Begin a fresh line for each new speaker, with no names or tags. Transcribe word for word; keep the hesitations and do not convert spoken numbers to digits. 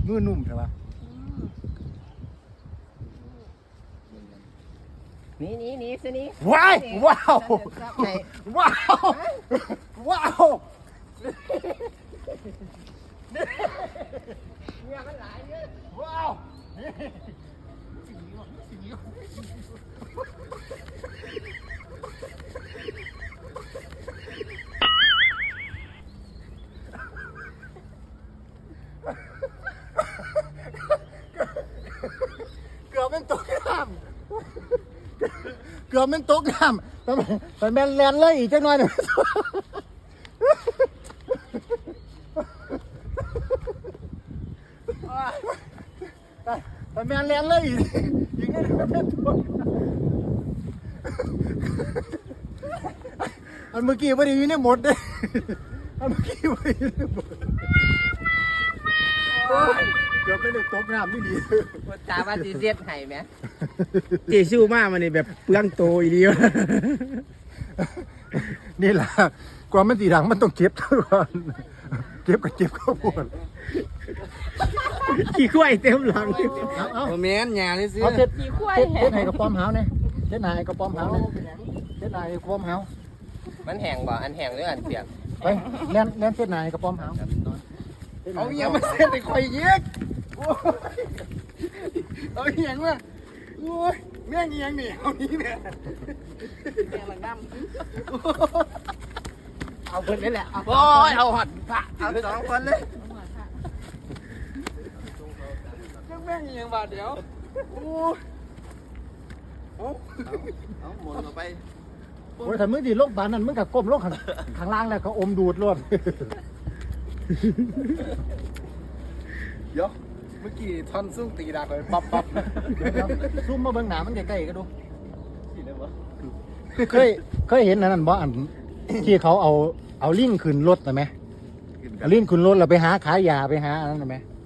มือนุ่มใช่ปะ
นี่นี่นี่สินี่
ว้าวว้าวว้าวว้าวเนี่ยมันหลายเยอะว้าวเกือบเป็นตกน้ำเกือบเป็นตกน้ำแต่แต่แมนแลนเลยอีกจังหน่อยหนึ่งแต่แมนแลนเลยอีกอีกนิดนึงเป็นตัวอันเมื่อกี้ไม่ได้ยินในหมดเลยอันเมื่อกี้ไม่ได้ยินในหมดเกือบไม่ได้ตกน้ำนี่ดี
ตาว่าจีเสียดไห้ไหม
เจสู้มากมันนี่แบบเปลืองโตอีเดียว
นี่แหละกว่ามันสีดังมันต้องเก็บทุกคนเก็บกับเก็บข้าวโพด
ขี้ข้วยเต็มหลัง
เอาเอา
โมเมนต์หยาเลยสิ
เอาเช็ด
มีควาย
เช็ด
แห้
เช็ด
ง
ให้กระป๋อมหาวเนี่ยเช็ดให้กระป๋อมหาวเนี่ยเช็ดให้กระป๋อมหาว
มันแห้งบ่อันแห้งหรืออันเปียก
ไปเล่นเล่นเช็ดให้กระป๋อมหาว
เอาเงี้ยมาเส้นไปคอยเย็กเอาเงี้ยมาโอ้ยแม่งเงี้ยนี่เอานี้เนี่ยแม่งมันดำ
เอาเพิ่นนี่แหละเอา
โอ้ยเอาหัดพระเอาสองคนเลยแม่งเงี้ยบาทเดียวโอ้ยเอาเอาหมุนออกไป
โอ้ยถ้ามึงดีโรคบานนั้นมึงกับก้มโรคข้างข้างล่างแล้วก็อมดูดรวด
เดี๋ยวเมื่อกี้ท่อนซุ่งตีดาไปปั๊บปั๊บ
ซูมมาเบิ่งหนามันใกล้ๆก็ดูเคยเคยเห็นอันนั้นบ่อันที่เขาเอาเอาลิงขึ้นรถนะไหมเอาลิงขึ้นรถแล้วไปหาขายยาไปหาอันนั้นนะไหม